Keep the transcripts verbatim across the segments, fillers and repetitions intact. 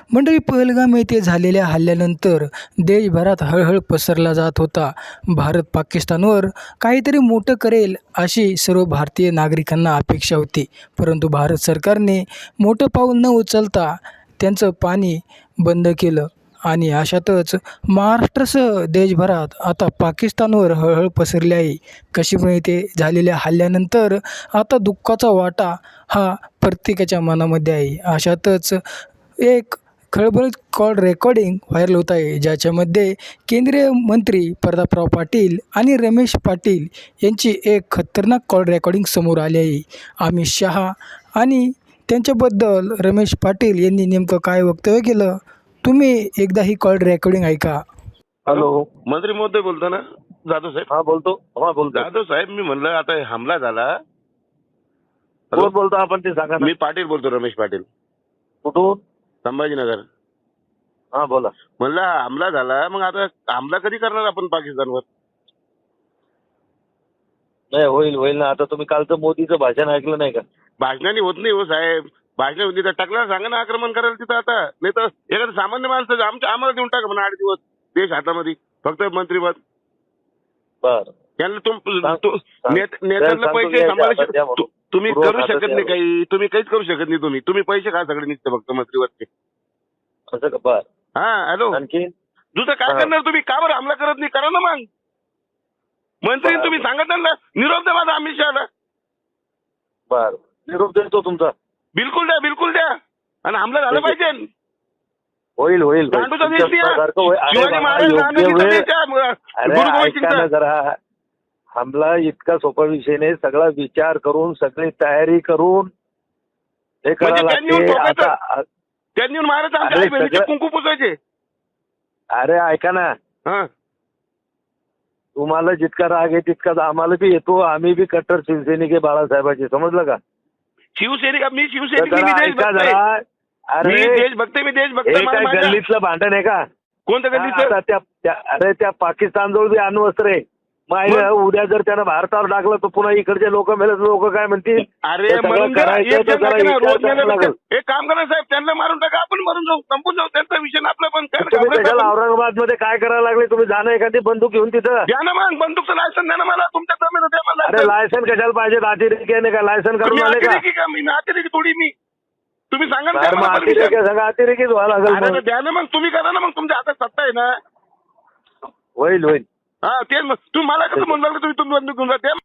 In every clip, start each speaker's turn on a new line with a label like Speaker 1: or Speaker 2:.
Speaker 1: मंडळी, पहलगाम येथे झालेल्या हल्ल्यानंतर देशभरात हळहळ पसरला जात होता. भारत पाकिस्तानवर काहीतरी मोठं करेल अशी सर्व भारतीय नागरिकांना अपेक्षा होती. परंतु भारत सरकारने मोठं पाऊल न उचलता त्यांचं पाणी बंद केलं आणि अशातच महाराष्ट्रासह देशभरात आता पाकिस्तानवर हळहळ पसरली आहे. काश्मीर येथे झालेल्या हल्ल्यानंतर आता दुःखाचा वाटा हा प्रत्येकाच्या मनामध्ये आहे. अशातच एक खळबळीत कॉल रेकॉर्डिंग व्हायरल होत आहे, ज्याच्यामध्ये केंद्रीय मंत्री प्रतापराव पाटील आणि रमेश पाटील यांची एक खतरनाक कॉल रेकॉर्डिंग समोर आली आहे. अमित शहा आणि त्यांच्याबद्दल रमेश पाटील यांनी नेमकं काय वक्तव्य केलं, तुम्ही एकदा ही कॉल रेकॉर्डिंग ऐका.
Speaker 2: हॅलो,
Speaker 3: मंत्री महोदय बोलता ना? जाधव साहेब.
Speaker 2: हा बोलतो. हा बोलतो.
Speaker 3: जाधव साहेब, मी म्हणलं आता हे हमला झाला.
Speaker 2: कोण बोलतो आपण ते सांगा ना.
Speaker 3: मी पाटील बोलतो, रमेश पाटील,
Speaker 2: कुठून?
Speaker 3: संभाजीनगर.
Speaker 2: हा बोला.
Speaker 3: म्हणलं हा हमला झाला, मग आता हमला कधी करणार आपण पाकिस्तानवर?
Speaker 2: नाही, होईल होईल ना. आता तुम्ही कालचं मोदीचं भाषण ऐकलं नाही का?
Speaker 3: भाषणाने होत नाही हो साहेब. भाषण होती तर टाकला सांगा ना आक्रमण करायला तिथं. आता नाही तर एखादं सामान्य माणसं आमच्या आम्हाला देऊन टाका म्हणा आठ दिवस देश हातामध्ये, फक्त मंत्रीपद.
Speaker 2: बर,
Speaker 3: त्यांना तुम
Speaker 2: सांग-
Speaker 3: तु-
Speaker 2: सांग-
Speaker 3: नेत- नेत्यांना
Speaker 2: सांगतो
Speaker 3: पैसे
Speaker 2: घ्या,
Speaker 3: सांभाळू
Speaker 2: आता द्या
Speaker 3: शक-
Speaker 2: म्हणून.
Speaker 3: तु- तुम्ही
Speaker 2: पूर्व
Speaker 3: करू
Speaker 2: खातं
Speaker 3: शकत
Speaker 2: द्या
Speaker 3: नाही काही. तुम्ही काहीच करू शकत नाही. तुम्ही तुम्ही पैसे खा सगळे निघते फक्त मंत्रीवरचे.
Speaker 2: असं का? बर,
Speaker 3: हा हॅलो,
Speaker 2: आणखी
Speaker 3: दुसरं काय
Speaker 2: हा.
Speaker 3: करणार तुम्ही? का बरं हमला करत नाही? करा ना मग. मंत्री
Speaker 2: बरं.
Speaker 3: तुम्ही सांगत ना, निरोप द्या माझा अमित शहाला.
Speaker 2: बर, निरोप देतो तुमचा.
Speaker 3: बिलकुल द्या, बिलकुल द्या. आणि हमला झाला
Speaker 2: ठीक आहे.
Speaker 3: पाहिजे.
Speaker 2: होईल होईल होईल.
Speaker 3: गांडूचा देश
Speaker 2: तुमच्या
Speaker 3: द्या.
Speaker 2: सारखं होईल. अरे
Speaker 3: शिवाजी
Speaker 2: बाबा,
Speaker 3: महाराज
Speaker 2: योग्य
Speaker 3: गांधीजीचा
Speaker 2: वेळ-
Speaker 3: देश द्या.
Speaker 2: अरे
Speaker 3: गुरु गोविंद
Speaker 2: ऐका ना
Speaker 3: सिंगचा.
Speaker 2: जरा. हमला इतका सोपा विषय नाही. सगळा विचार करून, सगळी तयारी करून हे
Speaker 3: म्हणजे
Speaker 2: करावं
Speaker 3: त्यांनी येऊन
Speaker 2: लागते.
Speaker 3: ठोकायचं.
Speaker 2: आता
Speaker 3: त्यांनी येऊन महाराज आमच्या
Speaker 2: अरे
Speaker 3: आई बहिणीचे
Speaker 2: सगळं-
Speaker 3: कुंकू पुसायचे.
Speaker 2: अरे ऐका ना,
Speaker 3: हा,
Speaker 2: तुम्हाला जितका राग आहे तितकाच आम्हाला बी येतो. आम्ही बी कट्टर शिवसैनिक आहे बाळासाहेबांचे, समजलं का?
Speaker 3: शिवसैनिक मी
Speaker 2: तर
Speaker 3: शिवसैनिक मी
Speaker 2: जरा
Speaker 3: देश
Speaker 2: ऐका
Speaker 3: बघतोय.
Speaker 2: जरा.
Speaker 3: मी
Speaker 2: अरे
Speaker 3: देश बघते, मी देश
Speaker 2: हे
Speaker 3: बघतोय. मला
Speaker 2: काय
Speaker 3: माझ्या-
Speaker 2: गल्लीतलं भांडण आहे का?
Speaker 3: कोणतं
Speaker 2: आता
Speaker 3: गल्लीचं?
Speaker 2: त्या त्या- अरे त्या पाकिस्तानजवळ बी अण्वस्त्र आहे. मग आहे, उद्या जर त्यानं भारतावर टाकलं तर पुन्हा इकडचे लोक मेले, लोक काय म्हणतील?
Speaker 3: अरे
Speaker 2: हे सगळं
Speaker 3: मरून द्या.
Speaker 2: करायचं
Speaker 3: एक
Speaker 2: तर
Speaker 3: जण
Speaker 2: जरा
Speaker 3: टाका ना,
Speaker 2: विचार
Speaker 3: रोज मेलं
Speaker 2: करावा
Speaker 3: तर
Speaker 2: लागेल.
Speaker 3: एक काम करा साहेब, त्यांना मारून टाका, आपण मरून जाऊ, संपून जाऊ. त्यांचा विषय ना आपला. पण काय
Speaker 2: तुम्ही
Speaker 3: घाबरायचं
Speaker 2: त्याच्याला
Speaker 3: आपण?
Speaker 2: औरंगाबाद मध्ये काय करायला लागले? तुम्ही जाणं एखादी बंदूक घेऊन तिथं.
Speaker 3: द्या ना मग बंदूकचं लायसन, द्या ना मला. तुमच्या जमीन द्या मला
Speaker 2: अरे
Speaker 3: license.
Speaker 2: लायसन कशाला पाहिजे? अतिरेकी आहे का? लायसन
Speaker 3: तुम्ही
Speaker 2: करून आले का?
Speaker 3: अतिरेकी का? मी अतिरेकी थोडी मी. तुम्ही सांगा ना
Speaker 2: अरे
Speaker 3: द्या
Speaker 2: मग
Speaker 3: मला पण
Speaker 2: अतिरेकी
Speaker 3: विषय.
Speaker 2: सगळं अतिरेकीच व्हायला लागेल
Speaker 3: अरे
Speaker 2: मग.
Speaker 3: तर द्या ना मग, तुम्ही करा ना मग. तुमच्या हातात सत्ता आहे ना.
Speaker 2: होईल होईल.
Speaker 3: हा तेच मग. तुम्ही मला कसं म्हणू लागलं तुम्ही तुम्ही बंदूक घेऊन जा? द्या.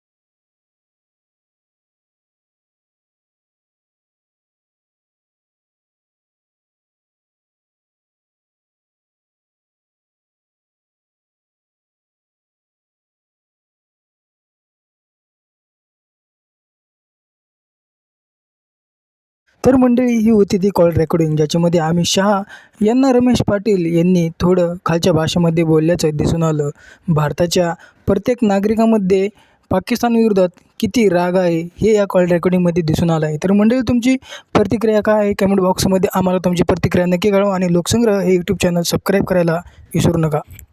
Speaker 1: तर मंडळी, ही होती ती कॉल रेकॉर्डिंग, ज्याच्यामध्ये अमित शहा यांना रमेश पाटील यांनी थोडं खालच्या भाषेमध्ये बोलल्याचं दिसून आलं. भारताच्या प्रत्येक नागरिकामध्ये पाकिस्तानविरोधात किती राग आहे हे या कॉल रेकॉर्डिंगमध्ये दिसून आलं आहे. तर मंडळी, तुमची प्रतिक्रिया काय आहे? कमेंट बॉक्समध्ये आम्हाला तुमची प्रतिक्रिया नक्की कळवा आणि लोकसंग्रह हे यूट्यूब चॅनल सबस्क्राईब करायला विसरू नका.